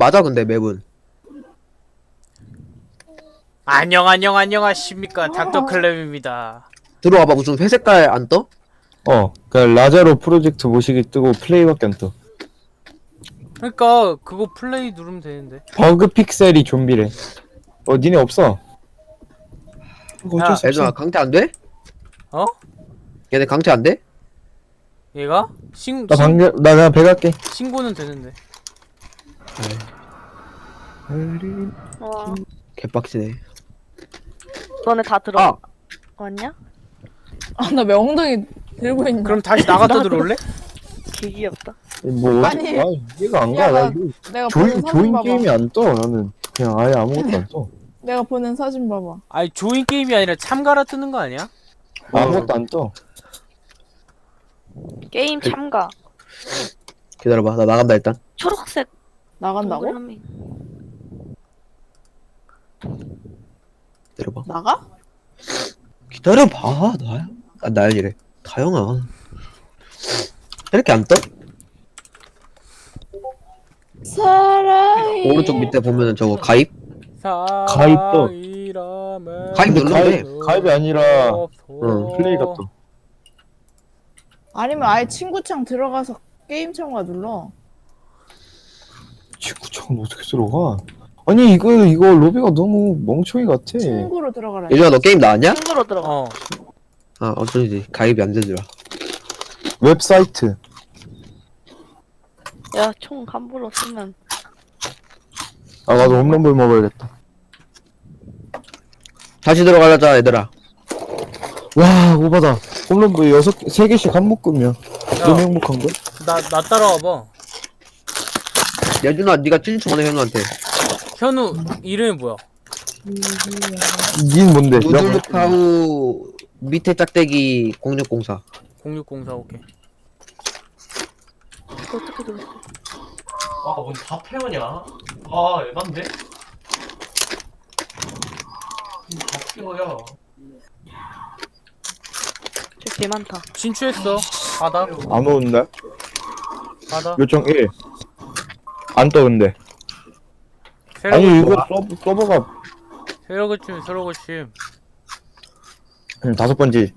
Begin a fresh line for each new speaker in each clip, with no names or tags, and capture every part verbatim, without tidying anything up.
맞아 근데 맵은.
안녕 안녕 안녕하십니까 닥터클랩입니다.
들어와봐. 무슨 회색깔 안 떠?
어, 그 라자로 프로젝트 모시기 뜨고 플레이밖에 안 떠.
그러니까 그거 플레이 누르면 되는데.
버그 픽셀이 좀비래. 어, 니네 없어. 이거 어쩔
야,
수
얘들아
없어.
강퇴 안 돼?
어?
얘네 강퇴 안 돼?
얘가? 신,
나
신,
방금 나 그냥 배 갈게.
신고는 되는데.
와,
개빡치네.
너네 다
아!
들어왔냐?
아, 나 왜 엉덩이 들고 있냐?
그럼 다시 나갔다 들어올래?
개 귀엽다.
뭐
아니,
아, 이해가 안
야,
가. 나
나,
이거
내가 보는
조인
사진
조인
봐봐.
게임이 안 떠. 나는 그냥 아예 아무것도 안 떠.
내가 보는 사진 봐봐.
아니 조인 게임이 아니라 참가라 뜨는 거 아니야?
아무것도 안 떠.
게임 참가.
기다려봐. 나 나간다 일단.
초록색
나간다고?
동그라미.
기다려봐.
나가?
기다려봐. 나야. 아 나야 이래. 다영아. 이렇게 안 떠?
사랑이
오른쪽 밑에 보면은 저거 가입?
가입도.
가입
근데
눌러도
가입
돼.
가입이 아니라
응,
플레이가 떠.
아니면 아예 친구창 들어가서 게임 참가 눌러.
친구창은 어떻게 들어가? 아니 이거 이거 로비가 너무 멍청이 같아.
친구로 들어가라.
예준아 너 게임 나왔냐?
친구로 들어가.
어.
아 어쩐지 가입이 안 되더라.
웹사이트.
야, 총 함부로 쓰면
아 나도 홈런볼 먹어야겠다.
다시 들어가자 얘들아.
와 오바다. 홈런볼 여섯 개, 세 개씩 한 묶음이야. 너무 행복한 걸?
나, 나 따라와봐.
예준아 네가 찐 전에 현우한테.
현우 이름이 뭐야?
닌 뭔데?
누들루카우 밑에 짝대기 공육공사.
공육공사 오케이.
이거 어떻게 들었어?
아, 뭔 다 페어냐? 아, 에반데? 다 페어야.
저개 많다.
진출했어. 받아.
안 오는데?
받아.
요청 일. 안 떠 근데.
새로
아니 이거 서버, 서버가
새로 고침 새로 고침.
그냥 다섯 번지.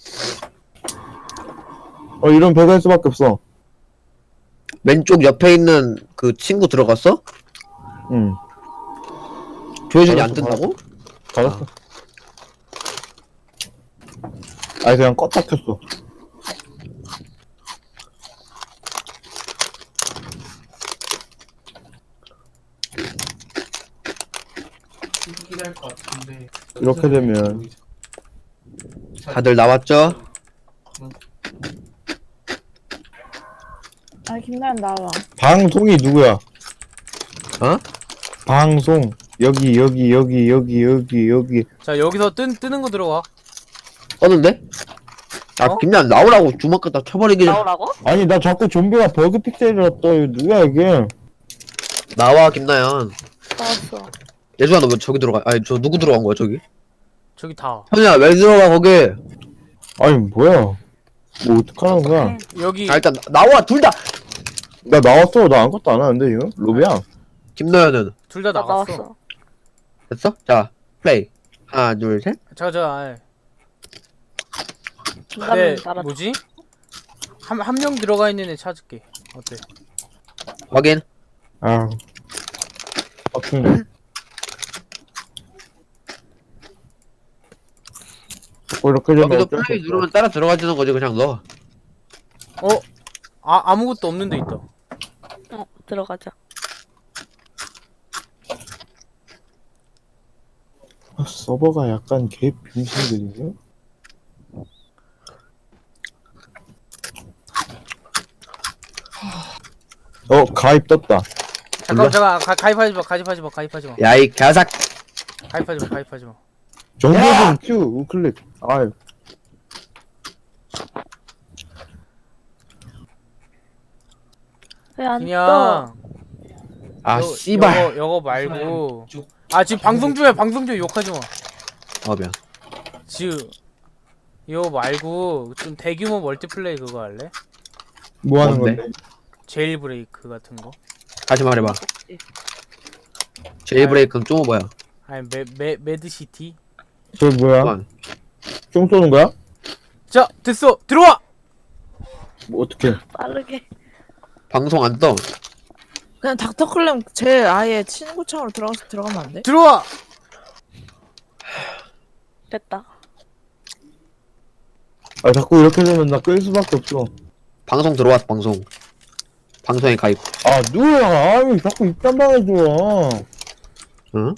어 이런 배가 할 수밖에 없어.
왼쪽 옆에 있는 그 친구 들어갔어?
응.
조혜준이 안
알았어,
뜬다고?
닫았어. 아니 그냥 껐다 켰어.
이기긴 할 것 같은데.
이렇게 되면
다들 나왔죠?
아, 김나연 나와.
방송이 누구야?
어?
방송 여기 여기 여기 여기 여기 여기.
자 여기서 뜬 뜨는 거 들어와.
떴는데? 아
어?
김난 나오라고 주먹 갖다 쳐버리기 전
나오라고?
아니 나 자꾸 좀비가 버그 픽셀이라 떠. 이거 누구야 이게?
나와 김나연.
나왔어.
예준아 너 왜 저기 들어가? 아니 저 누구 들어간 거야 저기?
저기 다.
현우야 왜 들어가 거기?
아니 뭐야? 뭐 어떡하는 거야?
여기
아 일단 나- 나와 둘 다.
나 나왔어. 나 아무것도 안 하는데 이거? 로비야.
김나연은
둘 다
나
나갔어.
나왔어.
됐어? 자 플레이. 하나 둘 셋.
자, 자, 아이.
중간에
네,
날아.
뭐지? 한 한 명 들어가 있는 애 찾을게. 어때?
확인.
아. 빡친데. 어, 이렇게 되면
여기도
어쩔 수
플레이
없어.
누르면 따라 들어가지는 거지 그냥 너.
어? 아 아무것도 없는 데 있다.
어, 들어가자.
아, 서버가 약간 개 빙신들이죠? 어 가입 떴다.
잠깐
몰라.
잠깐 가, 가입하지 마 가입하지 마 가입하지 마
야이 개삭.
가입하지 마 가입하지 마.
정보는 큐 우클릭. 아유
왜 안 떠?
그냥
아
요-
씨발.
요거 요거 말고 아 지금 방송 중에 방송 중에 욕하지 마.
어 미안.
지금 이거 말고 좀 대규모 멀티플레이 그거 할래?
뭐 하는
뭔데?
건데?
제일 브레이크 같은 거.
다시 말해봐.
없지.
제이브레이크는 좀 뭐야?
아니 매, 매, 매드시티.
저 뭐야?
잠깐.
총 쏘는 거야?
자 됐어 들어와.
뭐 어떻게?
빠르게.
방송 안 떠.
그냥 닥터클램 제 아예 친구창으로 들어가서 들어가면 안 돼?
들어와.
됐다.
아 자꾸 이렇게 되면 나 끌 수밖에 없어.
방송 들어왔어 방송. 방송에 가입.
아 누구야? 아왜 자꾸 입단 방해줘.
응?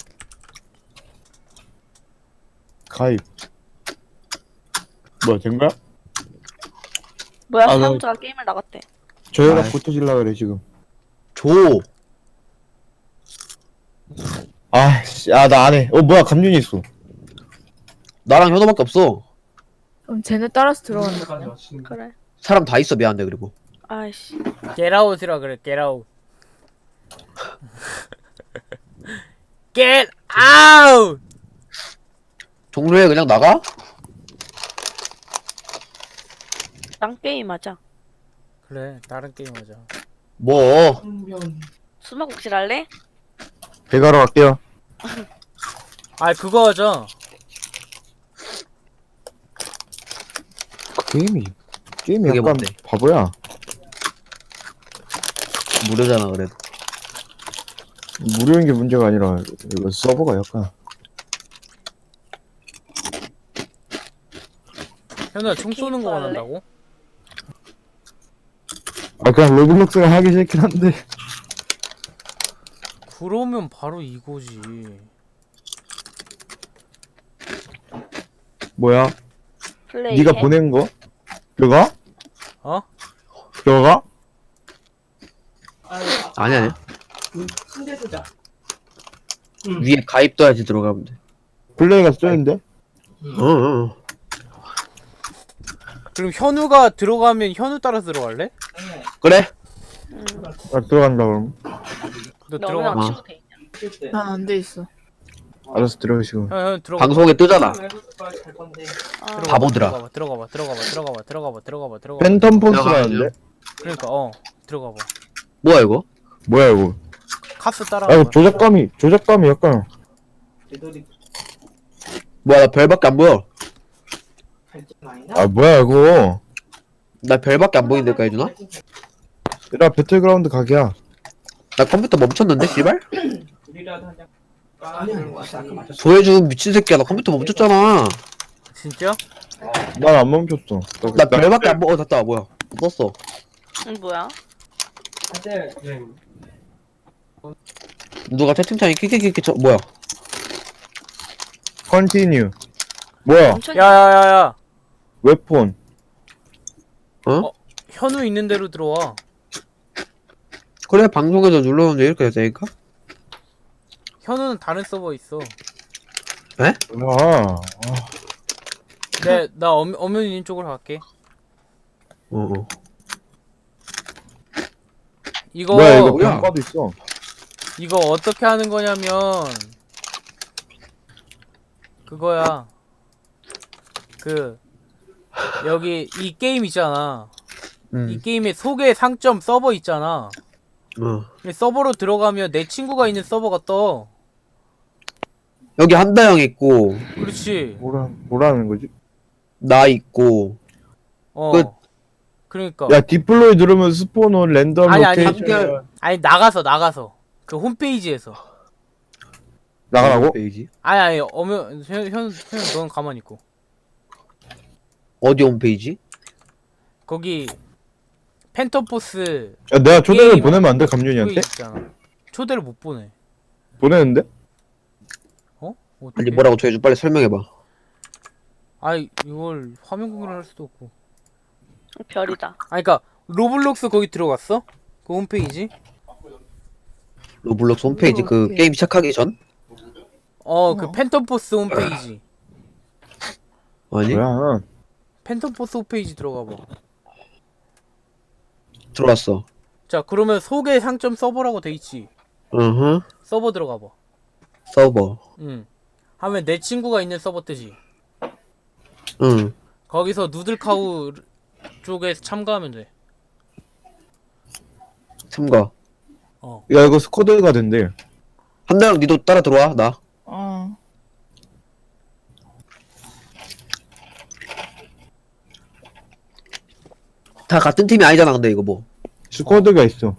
가입. 뭐야 된 거야?
뭐야,
아, 나-
사용자가 게임을 나갔대.
저희랑
아이.
붙어질라 그래 지금.
줘.
아씨, 아 나 안 해. 어 뭐야 감윤이 있어.
나랑 현호밖에 없어.
그럼 쟤네 따라서 들어간다. 그냥.
그래.
사람 다 있어 미안한데 그리고.
아이씨.
Get out이라 그래. Get out. Get out.
종료해 그냥 나가?
딴 게임 하자.
그래 다른 게임 하자.
뭐?
수마국질 할래?
배가러 갈게요.
아 그거 하자.
게임이 게임이
그게
약간
뭔데?
바보야.
무료잖아 그래도.
무료인 게 문제가 아니라 이거 서버가 약간.
현우야 총 쏘는 거
게임 할래?
원한다고?
아 그냥 로블록스가 하기 싫긴 한데.
그러면 바로 이거지.
뭐야?
플레이.
네가 보낸 거? 그거?
어?
그거가?
아니 아니. 위에 가입도 해야지 들어가면 돼.
플레이가 쓰는데?
어, 어.
그럼 현우가 들어가면 현우 따라 들어갈래?
그래?
응.
아 들어간다 그럼.
너
너
들어가.
얼마나
어.
친구 돼 있냐?
난 안 돼 있어.
알았어 들어가시고.
현, 현 들어가.
방송에 뜨잖아.
아,
바보들아.
들어가봐 들어가봐 들어가봐 들어가봐 들어가봐 들어가봐 들어가봐.
팬텀 포스라는데?
그러니까 어 들어가봐.
뭐야 이거?
뭐야 이거?
카스
아
따라가.
이거 조작감이 조작감이 약간.
뭐야 나 별밖에 안 보여.
아 뭐야 이거?
나 별밖에 안 보이는데까 해주나?
나 배틀그라운드 각이야.
나 컴퓨터 멈췄는데 씨발? 소해준 미친 새끼야 나 컴퓨터 멈췄잖아.
진짜?
난 안 멈췄어.
나 별밖에 안 보여. 어 됐다 뭐야 떴어.
응, 뭐야?
누가 채팅창에 키키키키 저 뭐야?
컨티뉴. 뭐야?
엄청
야야야야.
웹폰.
현우 있는 대로 들어와.
그래 방송에서 눌렀는데 이렇게 되니까?
현우는 다른 서버 있어.
뭐야?
네, 나 엄, 엄연님 쪽으로 갈게.
어어.
이거
뭐야 이거
뭐야?
병과도 있어.
이거 어떻게 하는 거냐면 그거야. 그 여기 이 게임 있잖아. 이
응.
게임의 소개 상점 서버 있잖아.
어.
이 서버로 들어가면 내 친구가 있는 서버가 떠.
여기 한다영 있고
그렇지.
뭐라 뭐라는 거지?
나 있고
어.
끝.
그러니까.
야 디플로이 누르면 스포너 랜덤
아니, 아니,
로케이션
한결-
아니 나가서 나가서 그 홈페이지에서.
나가라고?
페이지?
아니 아니 어면 현, 현, 현 넌 가만히 있고.
어디 홈페이지?
거기 펜터포스
야 내가 초대를
게임.
보내면 안 돼
그거
감윤이한테?
있잖아. 초대를 못 보내.
보내는데?
어? 어떻게?
아니 뭐라고 조해줘 빨리 설명해봐.
아이 이걸 화면 공유를 할 수도 없고.
별이다.
아니 그니까 로블록스 거기 들어갔어? 그 홈페이지?
로블록스 홈페이지 그
오케이.
게임 시작하기 전?
어 그 펜터포스 홈페이지.
아니
뭐야?
펜터포스 홈페이지 들어가봐.
들어왔어.
자 그러면 소개 상점 서버라고 돼있지.
으흠.
서버 들어가봐.
서버.
응. 하면 내 친구가 있는 서버 뜨지.
응.
거기서 누들카우 쪽에 참가하면 돼.
참가.
어.
야 이거 스쿼드가 된대.
한나랑 니도 따라 들어와 나.
어.
다 같은 팀이 아니잖아 근데 이거 뭐.
스쿼드가 있어.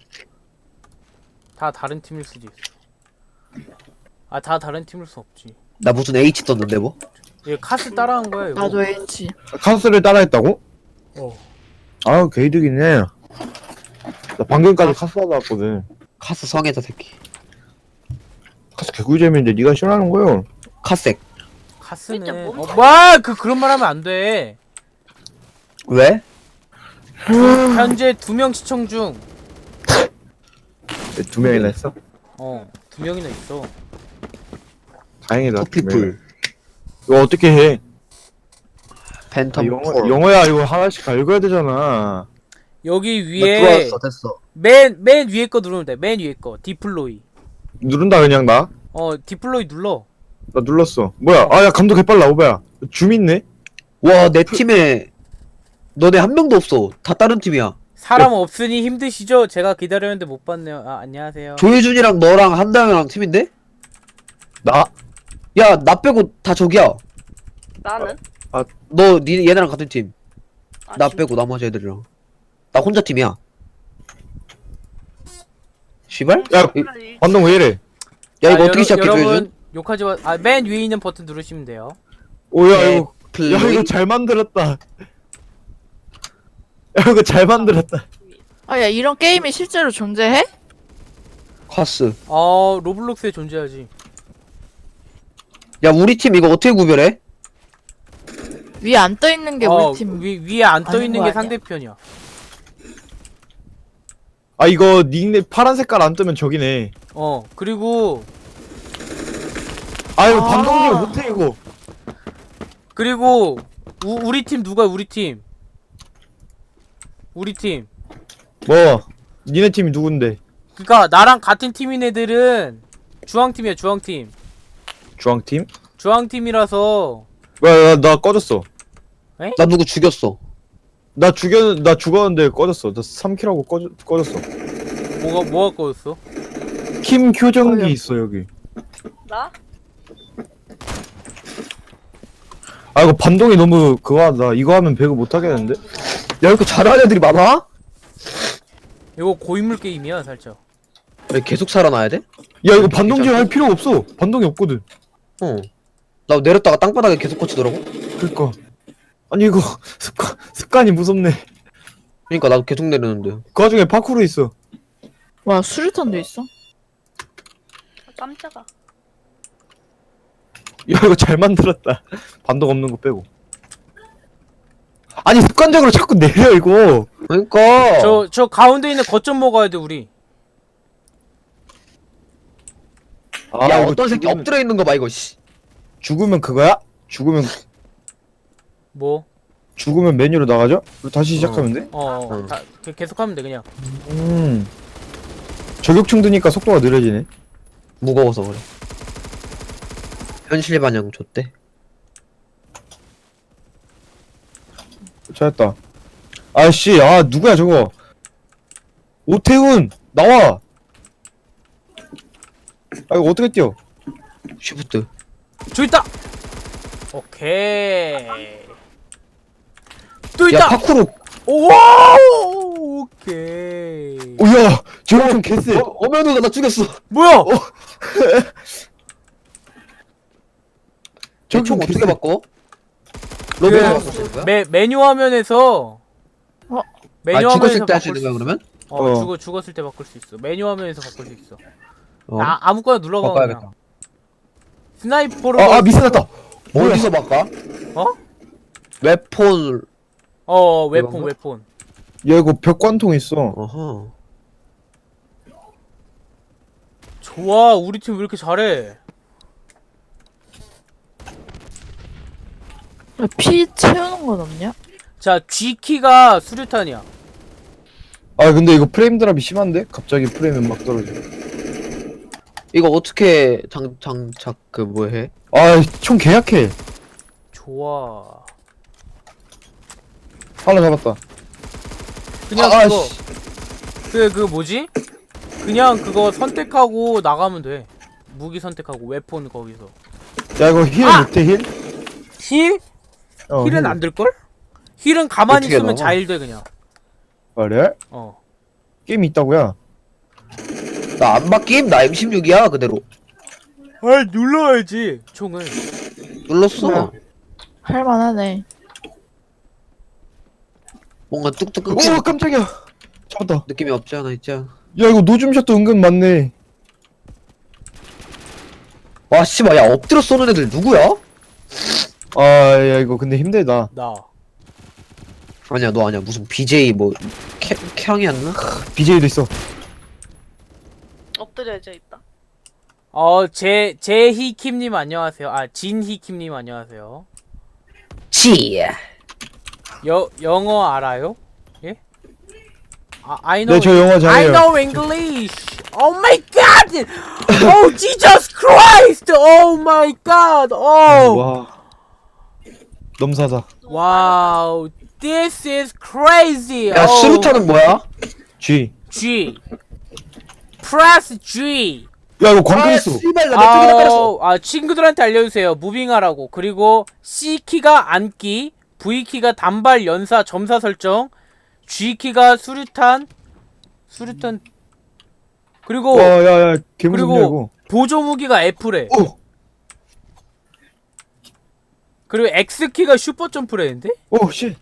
다 다른 팀일 수도 있어. 아, 다 다른 팀일 수 없지.
나 무슨 H 떴는데 뭐?
얘 카스 따라한 거야, 이거.
나도 H.
카스를 따라했다고?
어.
아우 개이득이네. 나 방금까지 카스 하다 왔거든.
카스 성애자 새끼.
카스 개꿀잼인데 네가 싫어하는 거요.
카색.
진짜
카스는.
뭔
어, 와! 그, 그런 말 하면 안 돼.
왜?
현재 두 명 시청 중.
두 명이나 했어?
어, 두 명이나 있어.
다행이다. 두 명이나.
커피풀.
이거 어떻게 해? 아,
팬텀
영어,
폴.
영어야 이거 하나씩 다 읽어야 되잖아.
여기
나
위에
들어왔어 됐어.
맨, 맨 위에 거 누르면 돼. 맨 위에 거. 디플로이.
누른다 그냥 나?
어, 디플로이 눌러.
나 눌렀어. 뭐야? 아 야 감독 개빨라 오바야. 줌 있네?
와 내 팀에 너네 한 명도 없어. 다 다른 팀이야.
사람 없으니 힘드시죠? 제가 기다렸는데 못 봤네요. 아, 안녕하세요.
조혜준이랑 너랑 한다영이랑 팀인데?
나?
야 나 빼고 다 저기야.
나는?
너 니 얘네랑 같은 팀.
아,
나
진짜?
빼고 나머지 애들이랑. 나 혼자 팀이야. 시발?
야
이-
반동 왜 이래?
야 이거
아,
어떻게
여러-
시작해
여러분
조혜준?
욕하지 마. 아, 맨 위에 있는 버튼 누르시면 돼요.
오야
네.
이거
플레이?
야 이거 잘 만들었다. 야 이거 잘 만들었다.
아, 야, 이런 게임이 실제로 존재해?
카스.
어, 로블록스에 존재하지.
야 우리 팀 이거 어떻게 구별해?
위에 안 떠 있는 게
어,
우리 팀.
위, 위에 안 떠
아닌
있는
거
게
아니야?
상대편이야.
아 이거 닉네 파란 색깔 안 뜨면 저기네.
어, 그리고
아 이거
아.
반동질 못해 이거.
그리고 우, 우리 팀 누가 우리 팀? 우리 팀.
뭐? 니네 팀이 누군데?
그니까 나랑 같은 팀인 애들은 주황팀이야, 주황팀.
주황팀?
주황팀이라서
야야 나 꺼졌어.
나 누구 죽였어.
나 죽였 나 죽었는데 꺼졌어. 나 삼 킬하고 꺼져 꺼졌어.
뭐가 뭐가 꺼졌어?
킴 교정기
꺼져.
있어 여기.
나?
아 이거 반동이 너무 그거 하다. 이거 하면 배그 못 하겠는데?
야 이렇게 잘하는 애들이 많아?
이거 고인물 게임이야, 살짝.
왜 계속 살아나야 돼?
야 이거 반동질 할 필요가 없어. 반동이 없거든.
어. 나 내렸다가 땅바닥에 계속 꽂히더라고.
그니까. 아니 이거 습관 습관이 무섭네.
그러니까 나도 계속 내리는데.
그 와중에 파쿠르 있어.
와, 수류탄도 있어?
아, 깜짝아.
야 이거 잘 만들었다. 반동 없는 거 빼고. 아니 습관적으로 자꾸 내려 이거.
그러니까.
저 저 가운데 있는 거점 먹어야 돼, 우리.
아,
야
이거
어떤 새끼
죽으면,
엎드려 있는 거 봐 이거. 씨.
죽으면 그거야? 죽으면
뭐?
죽으면 메뉴로 나가죠? 그리고 다시 시작하면 돼?
어, 어.
응.
다, 그- 계속 하면 돼, 그냥.
음. 저격충 드니까 속도가 느려지네.
무거워서 그래. 현실 반영 좋대.
찾았다. 아씨, 아 누구야 저거? 오태훈 나와. 아 이거 어떻게 뛰어?
쉬프트.
저기 있다. 오케이. 또
야
있다.
파쿠르.
오, 오케이.
오야, 저격충 개쎄.
어, 어면우가 나 죽였어.
뭐야?
저 총
저총
어떻게
개쎄.
바꿔? 로베로
그-
바꿀 수 있는 거야?
메 메뉴 화면에서
어?
메뉴
아
화면에서
죽었을 때 할 수
바꿀
있는 거야 그러면?
어,
어.
죽어 죽었을 때 바꿀 수 있어. 메뉴 화면에서 바꿀 수 있어.
어.
아 아무거나 눌러봐
바꿔야겠다.
그냥. 스나이퍼로.
아, 아 미스났다. 뭐야?
어디서 바꿔?
어?
웹폰.
어 웨폰
이건가?
웨폰.
야 이거 벽관통 있어.
어허.
좋아, 우리 팀 왜 이렇게 잘해?
야, 피 채우는 건 없냐?
자, G키가 수류탄이야.
아 근데 이거 프레임 드랍이 심한데? 갑자기 프레임이 막 떨어져.
이거 어떻게 장 장착 그 뭐 해?
아총 개약해.
좋아.
하나 잡았다.
그냥
아,
그거
씨.
그 그 뭐지? 그냥 그거 선택하고 나가면 돼. 무기 선택하고 웨폰 거기서.
야 이거 힐
아!
못해 힐?
힐?
어,
힐은
힐.
안 될걸? 힐은 가만히
어떻게
있으면
나와?
자일돼 그냥.
그래?
어.
게임이 있다고야?
나 안 바뀜? 나 엠 십육이야 그대로.
아 눌러야지 총을.
눌렀어.
뭐야? 할만하네.
뭔가 뚝뚝
오
끊기는
깜짝이야 잡았다.
느낌이 없지 않아 있지 않아.
야 이거 노줌샷도 은근 많네.
와 씨발 야 엎드려 쏘는 애들 누구야?
아 야 이거 근데 힘들다.
나.
아니야 너 아니야 무슨 비제이 뭐 캐, 캬이었나?
비제이도 있어.
엎드려져 있다.
어, 제, 제히킴님 안녕하세요. 아, 진히킴님 안녕하세요.
지.
여, 영어 알아요? 예? 아, I know.
네 저 영어
I
잘해요.
know English. Oh my god! Oh Jesus Christ! Oh my god! Oh!
와 넘사다.
Wow! This is crazy!
야
Oh,
스루타는 뭐야?
G.
G. Press G.
야 이거 광클했어.
아 씨발 나 내 쪽에다 깔았어.
아, 아, 친구들한테 알려주세요. 무빙하라고. 그리고 C키가 앉기, V키가 단발 연사 점사 설정, G키가 수류탄, 수류탄, 그리고
와야야 개무섭냐
그리고
이거.
보조 무기가 F래.
오!
그리고 X키가 슈퍼 점프래는데?
오 씨.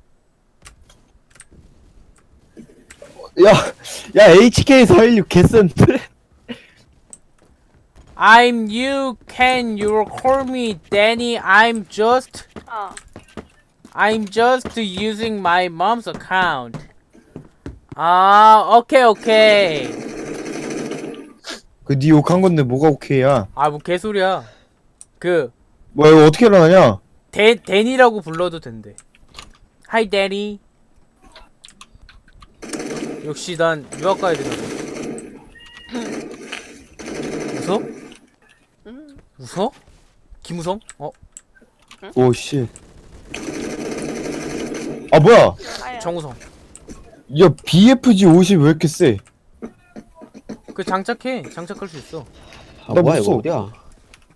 야, 야 에이치케이 사일육 개센데?
I'm you, can you call me Danny? I'm just,
아,
I'm just using my mom's account. 아, 오케이 오케이.
그 니 욕한 건데 뭐가 오케이야?
아, 뭐 개소리야. 그
뭐야 이거 어떻게 일어나냐?
데, 데니라고 불러도 된대. Hi, Danny. 역시 난 유학 가야 되나 봐. 웃어?
음,
웃어? 김우성? 어?
오 씨. 아 뭐야?
아야.
정우성.
야 비에프지 오십 왜 이렇게 세?
그 장착해. 장착할 수 있어.
아
나
뭐야
못
이거
써.
어디야?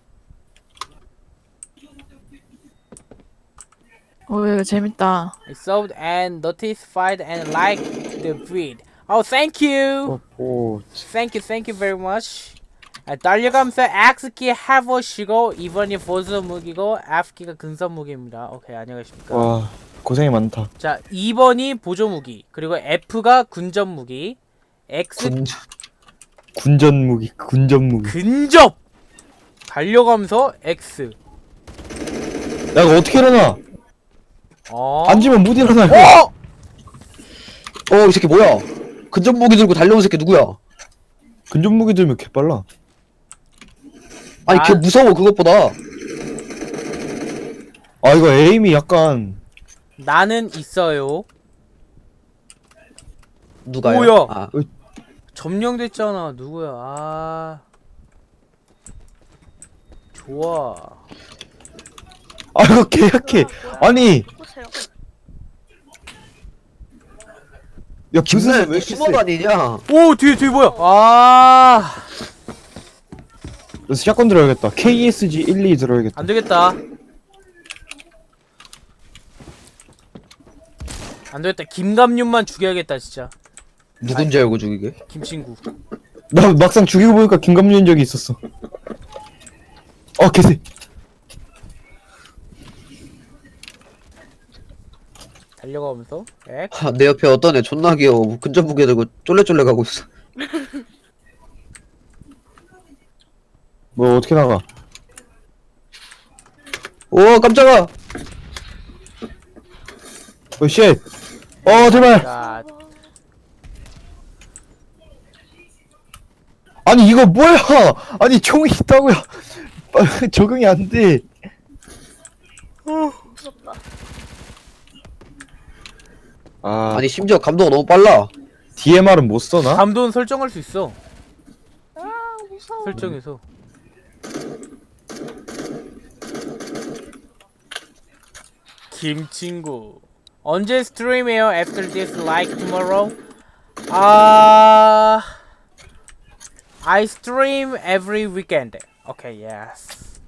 어 이거 재밌다.
I saw and notified and liked the vid. Oh, thank you.
오.
Thank you, thank you very much. 아, 달려가면서 X키 해보시고 이번이 보조 무기고 F키가 근접 무기입니다. 오케이, 안녕하십니까.
와 고생이 많다.
자, 이 번이 보조 무기. 그리고 F가 군접 무기. X
군
군전 무기, 군전 무기.
근접. 달려가면서 X.
야 이거 어떻게 일어나?
어?
앉으면 못 일어나. 이거.
어?
어 이 새끼 뭐야? 근접 무기 들고 달려온 새끼 누구야?
근전 무기 들면 개빨라.
아니
아.
걔 무서워 그것보다.
아 이거 에임이 약간
나는 있어요.
누가요?
뭐야?
아,
점령됐잖아. 누구야? 아. 좋아.
아 이거 개 약해. 아니
보세요.
야
김날
무슨
왜 숨어 다니냐?
오, 뒤에 뒤에 뭐야? 아.
그래서 샷건 들어야겠다. 케이에스지 일이 들어야겠다.
안 되겠다. 안 되겠다. 김감윤만 죽여야겠다, 진짜.
누군지 알고 죽이게?
김친구.
나 막상 죽이고 보니까 김감윤인 적이 있었어. 어 개새.
달려가면서 엑.
아, 내 옆에 어떤 애 존나 귀여워. 근접 무기 들고 쫄래쫄래 가고 있어.
뭐 어떻게 나가?
오 깜짝아.
어 쉣. 어 제발.
자,
아니 이거 뭐야? 아니 총이 있다고요? 적응이 안 돼.
무섭다.
아
아니 심지어 감도가 너무 빨라.
디엠알은 못 써나?
감도는 설정할 수 있어.
아, 무서워.
설정해서. 김친구. 언제 스트림해요? After this, like tomorrow? 아, I stream every weekend. Okay, yes.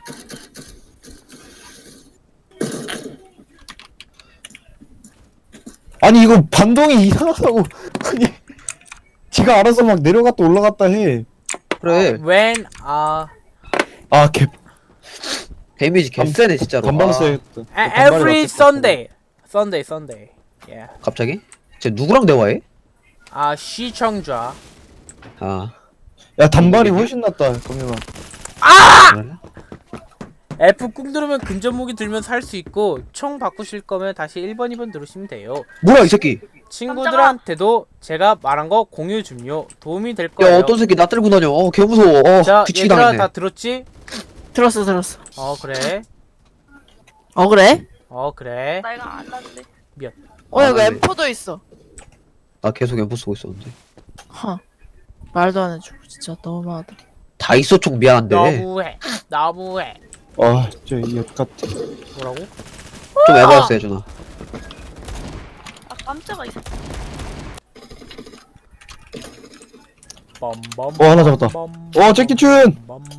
아니 이거 반동이 이상하다고. 아니 지가 알아서 막 내려갔다 올라갔다 해.
그래.
When uh
아 개.
데미지 개쎄네 진짜로.
반반
아,
써야겠다.
a- every Sunday. Sunday, Sunday. Yeah.
갑자기? 쟤 누구랑 대화해?
아 시청자.
아.
야 단발이 훨씬 낫다. 그러면
그래?
F 꾹 누르면 근접 무기 들면 살 수 있고 총 바꾸실 거면 다시 일 번, 이 번 누르시면 돼요.
뭐야 이 새끼?
친구들한테도 제가 말한 거 공유 좀요. 도움이 될
야
거예요.
어떤 새끼 나 들고 다녀. 어 개 무서워. 어
자,
뒤치기
얘들아
당했네.
다 들었지?
들었어 들었어.
어 그래.
어 그래?
어 그래.
나 이거 안 났는데.
어 여기
아,
엠 포도 있어.
나 계속 엠포 쓰고 있었는데.
허. 말도 안 해주고 진짜 너무하다.
다 있어 총 미안한데.
너무해. 너무해.
아 진짜 이역 같아.
뭐라고?
좀 에바였어 예준아.
아 깜짝아 이 새끼.
빰빰.
어, 하나 잡았다. 어, 재키춘!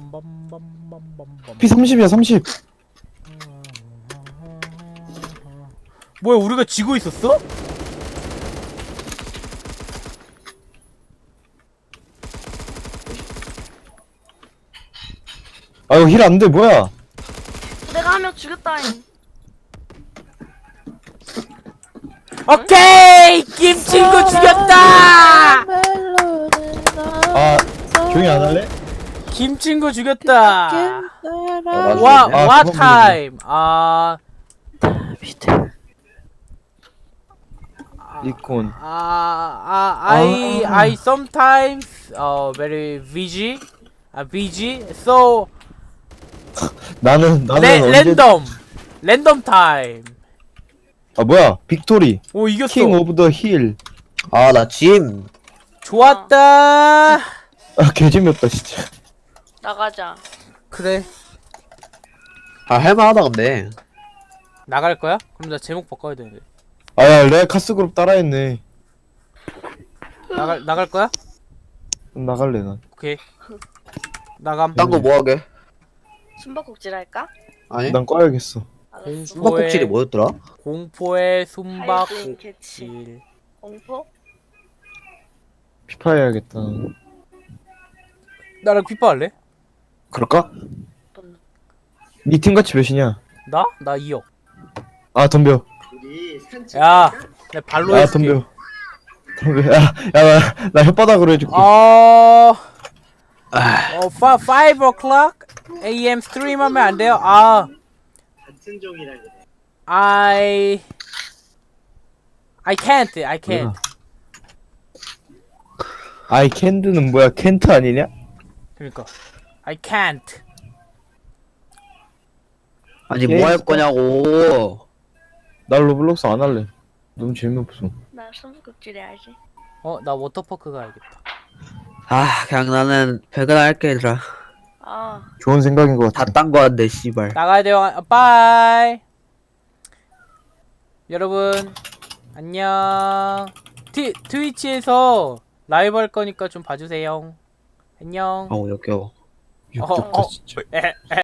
피 삼십이야 삼십.
뭐야 우리가 지고 있었어?
아 이거 힐 안돼 뭐야?
내가 한 명 죽였다잉.
오케이 김친구 죽였다.
아 조용히 안 할래?
김친구 죽였다.
맞아.
와
아,
와
그건
타임. 아
리콘.
아, 아, I,
아.
I sometimes, uh, very busy, uh, busy. So,
나는 나는
레,
언제?
랜덤, 랜덤 타임.
아 뭐야? 빅토리.
오 이겼어.
킹 오브 더 힐.
아 나 짐.
좋았다.
아 개재미없다 진짜.
나가자.
그래.
아 할만하다 근데.
나갈 거야? 그럼 나 제목 바꿔야 되는데.
아야 레알 카스 그룹 따라했네.
나갈 나갈 거야?
그럼 나갈래 난.
오케이. 나감.
딴 거 뭐 하게?
숨바꼭질 할까?
아니?
난 꺼야겠어.
알았어.
숨바꼭질이 뭐였더라?
공포의
하이브인
숨바꼭질.
개치. 공포?
피파 해야겠다.
나랑 피파 할래?
그럴까?
뭔-
니 팀 같이 몇이냐?
나? 나 이억.
아 덤벼.
야, 내 발로
아
해줄게.
덤벼. 덤벼. 야야나 나 혓바닥으로 해줄게.
어, 어, 파, five o'clock a.m. 스트림하면 안 돼요? 아, I, I can't, I can't.
아이 캔드는 뭐야? 켄트 아니냐?
그러니까, I can't.
아니
게임
뭐 할
스타-
거냐고.
나 로블록스 안 할래. 너무 재미없어.
나 숨바꼭질 해야지.
어, 나 워터파크 가야겠다.
아 그냥 나는 배그나 할게 얘들아.
아
좋은 생각인 것 같아.
다 딴 거 한데 씨발.
나가야 돼요. 아, 바이. 여러분, 안녕. 트, 트위치에서 라이브 할 거니까 좀 봐주세요. 안녕.
어우 역겨워.
역겹다
어, 어.
진짜.
에, 에.